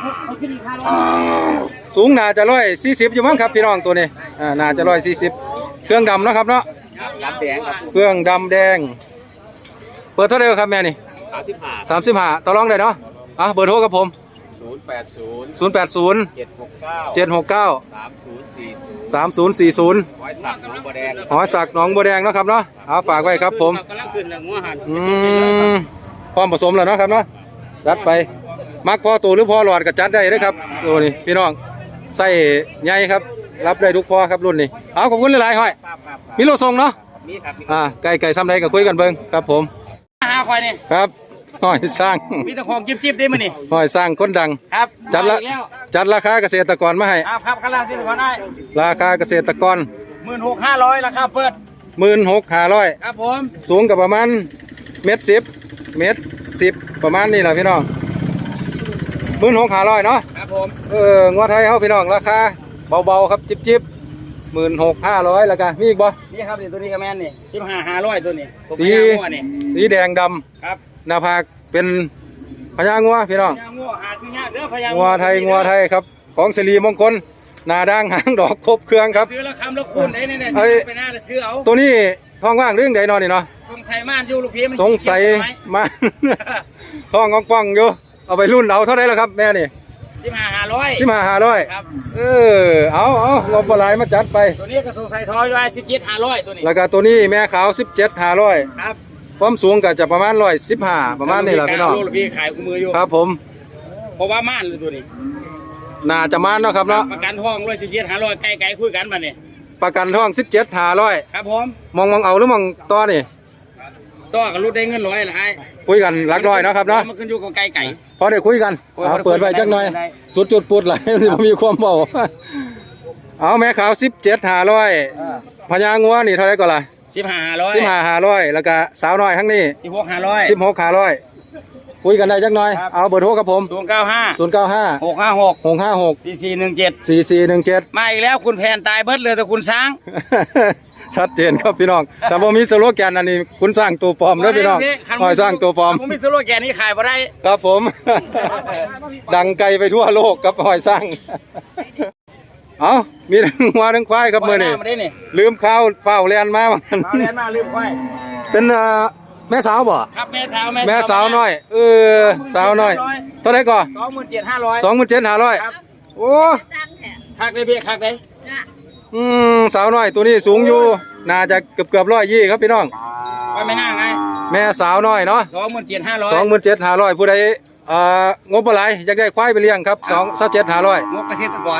[SPEAKER 1] สูงน่าจะร้อยสี่สิบอยู่มั้งครับพี่น้องตัวนี้อ่าน่าจะร้อยสี่สิบเครื่องดำเนาะครับเนาะ
[SPEAKER 3] ยับแดงครับ
[SPEAKER 1] เครื่องดำแดง เปิดเท่าไหร่ครับแม่นี่
[SPEAKER 3] สามสิบห้า
[SPEAKER 1] สามสิบห้าต่อรองได้เนาะอ่ะเบอร์โทรกับผม
[SPEAKER 3] ศูนย์แปดศูนย์
[SPEAKER 1] ศูนย์แปดศูนย์
[SPEAKER 3] เจ็ดหกเก้า
[SPEAKER 1] เจ็ดหกเก้า
[SPEAKER 3] สามศูนย์สี่ศูนย์
[SPEAKER 1] สามศูนย์สี่ศูนย์
[SPEAKER 3] ร้อยสักน้องบัวแดง
[SPEAKER 1] หอสักหนองบัวแดงเนาะครับเนาะเอาฝากไว้ครับผม
[SPEAKER 3] กำลังขึ้นแล้วงัวหัน
[SPEAKER 1] อืมพร้อมผสมแล้วเนาะครับเนาะจัดไปมักพอตัวหรือพอหลอดก็จัดได้เลยครับตัวนี้พี่น้องใส่ใหญ่ครับรับได้ทุกพอครับรุ่นนี้เอาขอบคุณหลายๆห้อย
[SPEAKER 3] ครับครับ
[SPEAKER 1] มีโลทรงเนาะ
[SPEAKER 3] นี่ครับ
[SPEAKER 1] อ่าไก่ไก่ซ้ำใดก็คุยกันเบิ่งครับผม
[SPEAKER 3] หาควายนี่
[SPEAKER 1] ครับห้อยสร้าง
[SPEAKER 3] มีแต่ของจิ๊บๆได้มั้ยนี่
[SPEAKER 1] ห้อยสร้างคนดัง
[SPEAKER 3] ครับ
[SPEAKER 1] จัดละ
[SPEAKER 3] มาอีกแล้ว
[SPEAKER 1] จัดราคาเกษตรกรมาให้
[SPEAKER 3] ครับครับข้างล่างที่ก่อนได้
[SPEAKER 1] ราคาเกษตรกร
[SPEAKER 3] หมื่นหกห้าร้อยราคาเปิด
[SPEAKER 1] หมื่นหกห้าร้อย
[SPEAKER 3] ครับผม
[SPEAKER 1] สูงกับประมาณเมตรสิบเมตรสิบประมาณนี้แหละพี่น้องหมื่นหกห้าร้อยเนาะ
[SPEAKER 3] ครับผม
[SPEAKER 1] เอองัวไทยเขาพี่น้องราคาเบาๆครับจิบๆหมื่นหกห้าร้อยแล้วกันมีอีกบ่
[SPEAKER 3] นี่ครับนี่ตัวนี้ก็แม่นนี่สิบห้าห้าร้อยตัวนี้ตัว
[SPEAKER 1] สี
[SPEAKER 3] พญางัวนี่
[SPEAKER 1] สีแดงด
[SPEAKER 3] ครับ
[SPEAKER 1] ำหน้าผากเป็นพญางัวพี่น้อง
[SPEAKER 3] พญางัวหาซื้อยากเด้อพญา
[SPEAKER 1] งัวไทยงัวไทยครับของสิริมงคลหน้าด่างหางดอกครบเครื่องครับ
[SPEAKER 3] ซื้อแล้วคำแล้วคูณได้เนี่ย
[SPEAKER 1] เอ้ย
[SPEAKER 3] ไปหน้าแล้วซื้อเอา
[SPEAKER 1] ตัวนี้ท้องว่างเรื่องใดนอนนี่เนาะ
[SPEAKER 3] สงสัยม่านอยู่ลูกพี่มัน
[SPEAKER 1] สงสัยมา ท้องกว้างๆอยู่เอาไปรุ่นเอาเท่าไหร่แล้วครับแม่นี่
[SPEAKER 3] สิบห้าห้าร้อย
[SPEAKER 1] สิมาห้าร้อย
[SPEAKER 3] ครับ
[SPEAKER 1] เออเอาเอางบปลายมาจัดไป
[SPEAKER 3] ตัวนี้ก็สงสัยทอยไว้สิบเจ็ดห้าร้อยตัวนี้
[SPEAKER 1] แล้วก็ตัวนี้แม่ขาวสิบเจ็ดห้าร้อย
[SPEAKER 3] ครับ
[SPEAKER 1] ความสูงก็จะประมาณร้อยสิบห้าประมาณนี้แหละพี่น้อง
[SPEAKER 3] ลูกพี่ขายกูมืออยู่
[SPEAKER 1] ครับผม
[SPEAKER 3] เพราะว่าม่านเลยตัวนี้
[SPEAKER 1] น่าจะมาเนาะครับเนาะ
[SPEAKER 3] ประกันทองร้อยสิบเจ็ดห้าร้อยไกลไกลคุยกันมาเนี่ย
[SPEAKER 1] ประกันท้องสิบเจ็ดห้าร้อย
[SPEAKER 3] ครับผม
[SPEAKER 1] มองมองเอาหรือมองต่อนี่
[SPEAKER 3] ต่อกับรุ่นได้เงินร้อยละไอ้
[SPEAKER 1] คุยกันหลักร้อยเนาะครับเนาะ
[SPEAKER 3] มันขึ้นอยู่กับไก่ไก่
[SPEAKER 1] พอได้คุยกัน
[SPEAKER 3] โอ้ย
[SPEAKER 1] เอา
[SPEAKER 3] พอได้คุย
[SPEAKER 1] เปิดไว้จักหน่อย
[SPEAKER 3] ได้
[SPEAKER 1] สุดจุดปุดไหล ที่ผมมีความเบาเอาแม่ขาวสิบเจ็ดห้าร้อยพญางัวนี่เท่าไหรก่อนล่ะ
[SPEAKER 3] สิบห้าห้าร้อย
[SPEAKER 1] สิบห้าห้าร้อยแล้วก็สาวน้อยทั้งนี้
[SPEAKER 3] สิบหกห้าร้อย
[SPEAKER 1] สิบหกห้าร้อยคุยกันได้จักหน่อย
[SPEAKER 3] ครับ
[SPEAKER 1] เอาเบอร์โทรกับผม
[SPEAKER 3] ศูนย์เก้าห้า
[SPEAKER 1] ศูนย์เก้าห้า
[SPEAKER 3] หกห้าหก
[SPEAKER 1] หกห้าหก
[SPEAKER 3] สี่สี่หนึ่งเจ็ด
[SPEAKER 1] สี่สี่หนึ่งเจ็ด
[SPEAKER 3] มาอีกแล้วคุณแผนตายเบิดเลยแต่คุณช้าง
[SPEAKER 1] ชัดเจนครับพี่น้อง แต่ผมมีสโลแกนอันนี้คุณสร้างตัวปลอมเด้อพี่น้องหอยสร้างตัวปลอม
[SPEAKER 3] ผมมีสโลแกนนี้ขายมาได้
[SPEAKER 1] ครับผม ดังไกลไปทั่วโลกกับหอยสร้าง เอามีทั้งวัวทั้งควายครับมือนี่
[SPEAKER 3] มาได้นี่
[SPEAKER 1] ลืมข้าวเฝ้าเรียนมาว่างั้น
[SPEAKER 3] เอาเรียนมาลืมไว้
[SPEAKER 1] เป็นเอ่อแม่สาวบ่
[SPEAKER 3] ครับแม่สาว
[SPEAKER 1] แม่สาวน้อย เออสาวน้อยเท่าไหร่ก่อน
[SPEAKER 3] สองหมื่นเจ็ดห้าร้อย
[SPEAKER 1] สองหมื่นเจ็ดห้าร้อย
[SPEAKER 3] ครับ
[SPEAKER 1] โอ้
[SPEAKER 3] คักเลยพี่คักเลย
[SPEAKER 1] อืมสาวน้อยตัวนี้สูงอยู่น่าจะเกือบเกือบร้อยยี่ครับพี่น้อง
[SPEAKER 3] ไปไม่น่าไง
[SPEAKER 1] แม่สาวน้อยเนาะ
[SPEAKER 3] สองหมื่นเจ็ดห้าร้อย
[SPEAKER 1] สองหมื่นเจ็ดห้าร้อยผู้ใดเอ่องบอะไรอยากได้ควายไปเลี้ยงครับสองเจ็ดห้าร้อย
[SPEAKER 3] งบเกษตรกร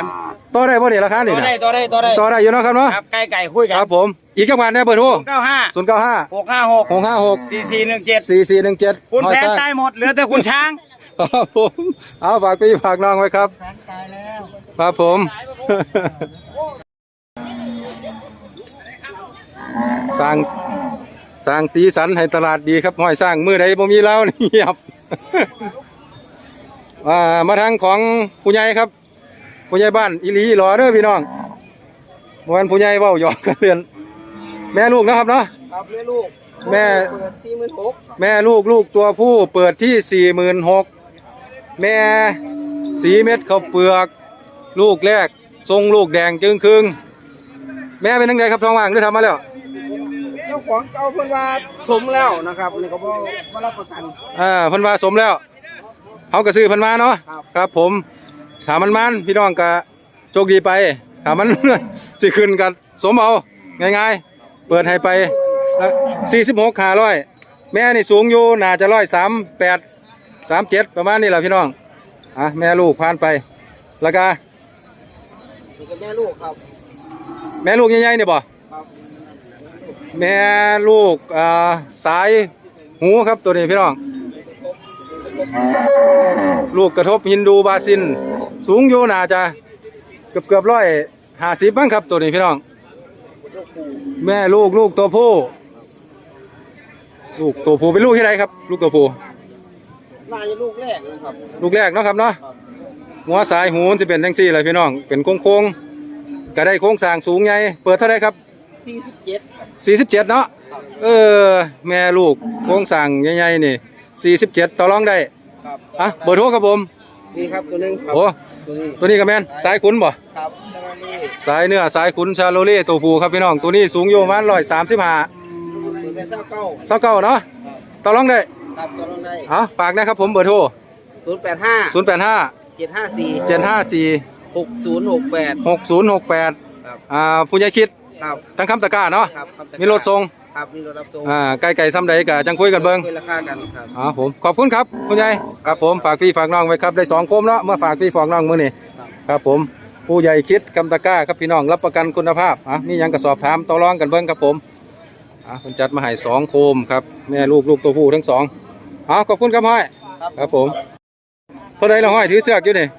[SPEAKER 1] ต่อได้บ่นี่ราคา
[SPEAKER 3] ตั
[SPEAKER 1] นี่
[SPEAKER 3] ว
[SPEAKER 1] นะ
[SPEAKER 3] ได้ตัวได้ตัวได้
[SPEAKER 1] ต่อได้อยู่เนาะครับเนาะ
[SPEAKER 3] ครับไก่ไก่คุยกั
[SPEAKER 1] คน รับผมอีกจังหวัดเนี่ยเบอร์โทร
[SPEAKER 3] เก้าห้า
[SPEAKER 1] ศูนย์เก้าห้า
[SPEAKER 3] หกห้าหก
[SPEAKER 1] หกห้าหก
[SPEAKER 3] สี่สี่หนึ่งเจ็ด
[SPEAKER 1] สี่สี่หนึ่งเจ็ด
[SPEAKER 3] คุณแผนตายหมดเหลือแต่คุณช้าง
[SPEAKER 1] ครับผมเอาฝากพี่ฝากน้องไว้ครับครับผม สร้างสร้างสีสันให้ตลาดดีครับห้อยสร้างมือใดบ่มีแล้วนี่เงียบ อ่ามาทางของผู้ใหญ่ครับผู้ใหญ่บ้านอีหลีอีหลอเด้อพี่น้องเมื่อวันผู้ใหญ่เว้าหยอกกันเรือนแม่ลูกนะครับเนาะ
[SPEAKER 3] ครับเลี้ยลูก
[SPEAKER 1] แม่
[SPEAKER 3] เปิดสี่หมื่นหก
[SPEAKER 1] แม่ลูกลูกตัวผู้เปิดที่สี่หมื่นหกแม่สีเม็ดข้าวเปลือก ลูกแรกทรงลูกแดงจึงครึ่งแม่เป็นยังไงครับท้องว่างหรือทำมาแล้ว
[SPEAKER 3] เจ้าของเก่าเพิ่นว่าสมแล้วนะครับนี่ก็บ่บ่รับประกัน
[SPEAKER 1] อ่าเพิ่นว่าสมแล้วเขาก็ซื้อเพิ่นมาเนาะครับผมถามมันมันพี่น้องก็โชคดีไปถามมัน สิขึ้นกันสมเอาง่ายๆเปิดให้ไปสี่สิบหกขาร้อยแม่นี่สูงอยู่น่าจะร้อยสามแปดสามเจ็ดประมาณนี้แหละพี่น้องอ่ะแม่ลูกผ่านไปแล้วก็
[SPEAKER 3] นี่ก็แม่ลูกครับ
[SPEAKER 1] แม่ลูกใหญ่ๆนี่บ่
[SPEAKER 3] ครับ
[SPEAKER 1] แม่ลูกอ่าสายหูครับตัวนี้พี่น้องลูกกระทบฮินดูบาซินสูงอยู่น่าจะเกือบเกือบร้อยห้าสิบบ้างครับตัวนี้พี่น้องแม่ลูกลูกตัวผู้ลูกตัวผู้เป็นลูกที่ไหนครับ ลูกตัวผู้
[SPEAKER 3] น่าจะลูกแรกนะครับ
[SPEAKER 1] ลูกแรกเนาะครับเนาะหัวสายหูจะเป็นทั้งสี่เลยพี่น้องเป็นโค้งโค้งๆก็ได้โค้งสร้างสูงใหญ่เปิดเท่าไรครับ
[SPEAKER 3] สี่สิบเจ็ด
[SPEAKER 1] สี่สิบเจ็ดเนาะเออแม่ลูกโค้งสร้างใหญ่ๆนี่สี่สิบเจ็ดต่อรองได้
[SPEAKER 3] ครับ
[SPEAKER 1] อ่ะเบอร์โทรครับผม
[SPEAKER 3] นี่ครับตัวหนึงครับ
[SPEAKER 1] โอ้
[SPEAKER 3] ตัวนี้
[SPEAKER 1] ตัวนี้ก็แม่นสายขุนบ่
[SPEAKER 3] ครับตัวนี้
[SPEAKER 1] สายเนื้อสายขุนชาโลเล่ตัวผู้ครับพี่น้องตัวนี้สูงอยู่ประมาณร้อยสามสิบห้า
[SPEAKER 3] ตัวเป็นเศร้าเก้า
[SPEAKER 1] เศร้าเก้าเนาะต่อรองได้
[SPEAKER 3] ครับตัวน้องได้
[SPEAKER 1] เอาฝากนะครับผมเบอร์โทร
[SPEAKER 3] ศูนย์แปดห้า
[SPEAKER 1] ศูนย์แปดห้า
[SPEAKER 3] เจ็ดห้าสี่
[SPEAKER 1] เจ็ดห้าสี่
[SPEAKER 3] หกศูนย์หกแปด
[SPEAKER 1] หกศูนย์หกแปด
[SPEAKER 3] ครับ
[SPEAKER 1] อ่าผู้ใหญ่คิด
[SPEAKER 3] ครับ
[SPEAKER 1] ทั้งคำตะกร้าเนาะ
[SPEAKER 3] ครับครับ
[SPEAKER 1] มีรถส่ง
[SPEAKER 3] ครับมีรถรับส่ง
[SPEAKER 1] อ่าไก่ไก่ซ้ำใดกะจังคุยกันเบิ่ง
[SPEAKER 3] คุยราคากันครับ
[SPEAKER 1] อ๋อผมขอบคุณครับคุณยายครับผมฝากพี่ฝากน้องไว้ครับได้สองโคมเนาะเมื่อฝากพี่ฝากน้องมื้อนี้ครับผมผู้ใหญ่คิดกำตะกร้าครับพี่น้องรับประกันคุณภาพอ่ะมีหยังก็สอบถามต่อรองกันเบิ่งครับผมอ่ะเพิ่นจัดมาให้สองโคมครับแม่ลูกลูกตัวผู้ทั้งสองอ๋อขอบคุณครับห้อยครับผมเท่าใดละห้อยถือเสือกอยู่นี่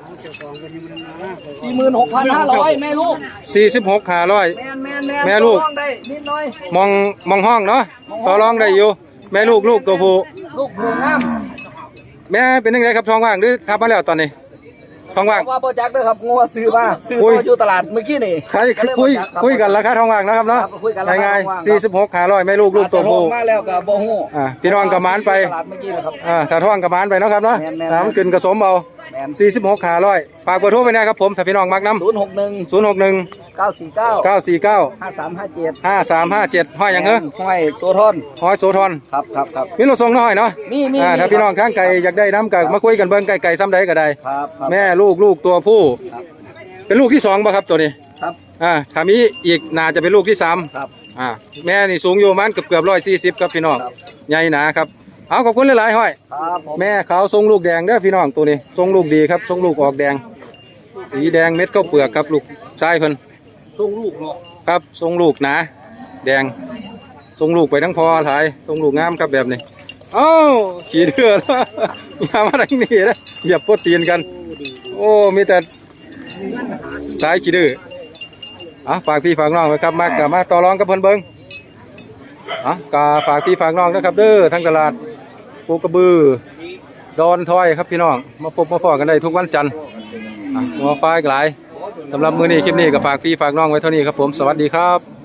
[SPEAKER 3] สี่หมื่นหกพันห้าร้อยแม่ลูก
[SPEAKER 1] สี่สิบหกห้าร้อย
[SPEAKER 3] แมนแมนแมน
[SPEAKER 1] แม่ลูก
[SPEAKER 3] ต่อรองได้นิดหน่อย
[SPEAKER 1] มองมองห้องเนาะต่อรองได้อยู่แม่ลูกลูกตัวผู้
[SPEAKER 3] ลูกหมูงาม
[SPEAKER 1] แม่เป็นยังไงครับท้องว่างหรือทับมาแล้วตอนนี้ท้องว่าง
[SPEAKER 3] ว่าโปรจักเด้อครับงัวซื้อมาซื้อ
[SPEAKER 1] คุย
[SPEAKER 3] ตัวอยู่ตลาดเมื่อกี้นี่
[SPEAKER 1] ใครคุยคุยกันราคาท้องว่างนะครับเนาะ
[SPEAKER 3] ครับคุยกันราคา
[SPEAKER 1] ง่าย
[SPEAKER 3] ท้องว่าง
[SPEAKER 1] ๆสี่สิบหกห้าร้อยแม่ลูกลูกตัว
[SPEAKER 3] อาจจะล
[SPEAKER 1] ผู้
[SPEAKER 3] งมาแล้วก็บ่ฮู้
[SPEAKER 1] อ่าพี่น้องกระมานไป
[SPEAKER 3] ตลาดเมื่อกี้นะครับ
[SPEAKER 1] อ่าถ้าท้องกระมานไปเนาะครับเนาะ
[SPEAKER 3] แม่นๆ
[SPEAKER 1] น้ำขึ้นกระสมเอา
[SPEAKER 3] แมน
[SPEAKER 1] สี่สิบหกห้าร้อยฝากเบอร์โทรไปนะครับผมถ้าพี่น้องมักน้
[SPEAKER 3] ศูนย์หกหนึ่ง
[SPEAKER 1] ำศูนย์หกหนึ่ง
[SPEAKER 3] เก้าสี่เก้า
[SPEAKER 1] เก้าสี่เก้า
[SPEAKER 3] ห้าสามห้าเจ็ด
[SPEAKER 1] ห้าสามห้าเจ็ดห้อยหยังเหรอ
[SPEAKER 3] ห้อยโซทอน
[SPEAKER 1] ห้อยโสธร
[SPEAKER 3] ครับครับครับ
[SPEAKER 1] มีรถส่งน้อยเนาะ
[SPEAKER 3] มีมี
[SPEAKER 1] อ่า
[SPEAKER 3] มี
[SPEAKER 1] ถ้าพี่น้องข้างไก่อยากได้น้ำกับมาคุยกันเบิ้งไก่ไก่ซ้ำใดก็ได้
[SPEAKER 3] ครับครับ
[SPEAKER 1] แม่ลูกลูกตัวผู้
[SPEAKER 3] ครับ
[SPEAKER 1] เป็นลูกที่สองป่ะครับตัวนี้
[SPEAKER 3] ครับ
[SPEAKER 1] อ่าถ้ามีอีกน่าจะเป็นลูกที่สาม
[SPEAKER 3] ครับ
[SPEAKER 1] อ่าแม่นี่สูงอยู่ประมันเกือบเกือบร้อยสี่สิบครับพี่น้อง
[SPEAKER 3] ครับ
[SPEAKER 1] ใหญ่หนาครับเอาขอบคุณหลายๆห้อย
[SPEAKER 3] ครับผม
[SPEAKER 1] แม่เขาทรงลูกแดงเด้อพี่น้องตัวนี้ทรงลูกดีครับทรงลูกออกแดงสีแดงเม็ดข้าวเปลือกครับลูกชายเพิ่น
[SPEAKER 3] ส่งลูกเนาะ
[SPEAKER 1] ครับทรงลูกหนาแดงทรงลูกไปทั้งพอถ่ายทรงลูกงามครับแบบนี้เอ้าขี่เดือด อย่ามาทางนี้นะเหยียบโปรตีนกัน โอ้มีแต่สายขี้ดื้ออ่ะฝากพี่ฝากน้องไว้ครับมากกับมาต่อรองกับเพิ่นเบิ้งอ่ะกาฝากพี่ฝากน้องนะครับเด้อทั้งตลาดปูกระบือดอนทอยครับพี่น้องมาพบมาพอกันได้ทุกวันจันทร์อ่ะหัวไฟหลายสำหรับมื้อนี้คลิปนี้ก็ฝากพี่ฝากน้องไว้เท่านี้ครับผมสวัสดีครับ